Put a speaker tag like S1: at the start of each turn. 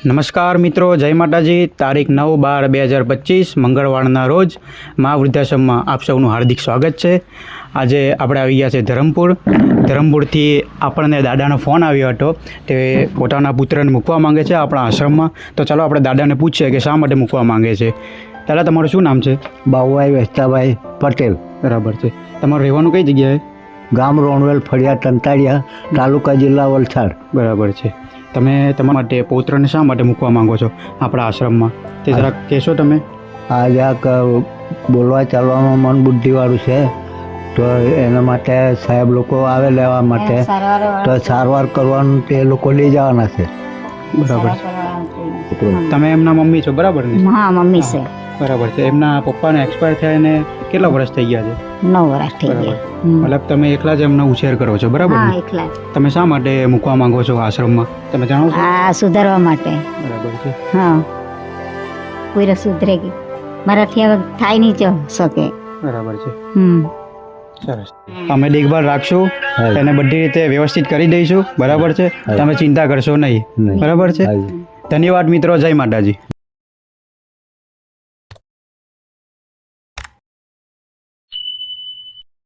S1: નમસ્કાર મિત્રો, જય માતાજી। તારીખ 9/12/2025 મંગળવારના રોજ મા વૃદ્ધાશ્રમમાં આપ સૌનું હાર્દિક સ્વાગત છે। આજે આપણે આવી ગયા છે ધરમપુરથી આપણને દાદાનો ફોન આવ્યો હતો। તે પોતાના પુત્રને મૂકવા માંગે છે આપણા આશ્રમમાં। તો ચાલો આપણે દાદાને પૂછીએ કે શા માટે મૂકવા માંગે છે। દાદા, તમારું શું નામ છે?
S2: બાબુભાઈ વેસ્તાભાઈ પટેલ।
S1: બરાબર છે। તમારું રહેવાનું કઈ જગ્યાએ?
S2: ગામ રોણવેલ ફળિયા તંતાળિયા, તાલુકા જિલ્લા વલસાડ।
S1: બરાબર છે। તમે તમારા માટે પૌત્રને શા માટે મૂકવા માંગો છો આપણા આશ્રમમાં તે જરાક કહેશો તમે?
S2: આ જરાક બોલવા ચાલવામાં મન બુદ્ધિવાળું છે, તો એના માટે સાહેબ લોકો આવે લેવા માટે, તો સારવાર કરવાનું તે લોકો લઈ જવાના છે।
S1: બરાબર છે। તમે એમના મમ્મી છો, બરાબર ને?
S3: હા, મમ્મી છે।
S1: બરાબર છે। એમના પપ્પાને એક્સપાયર થયા એને કેટલા વર્ષ થઈ ગયા છે?
S3: 9 વર્ષ થઈ ગયા।
S1: મતલબ તમે એકલા જ એમનો ઉછેર કરો છો, બરાબર
S3: હા,
S1: ને?
S3: એકલા જ।
S1: તમે શા માટે મૂકવા માંગો છો આશ્રમમાં, તમે જાણો છો?
S3: આ સુધારવા માટે।
S1: બરાબર છે।
S3: હા, પૂરે સુધરે ગઈ, મારાથી હવે થાય નહીં જો શકે।
S1: બરાબર છે।
S3: હમ
S1: સરસ। અમે દેખભાળ રાખશું,
S2: હા।
S1: એને બધી રીતે વ્યવસ્થિત કરી દઈશું, બરાબર છે?
S2: હા।
S1: તમે ચિંતા કરશો નહીં,
S2: નહીં।
S1: બરાબર છે?
S2: હા।
S1: ધન્યવાદ મિત્રો, જય માતાજી।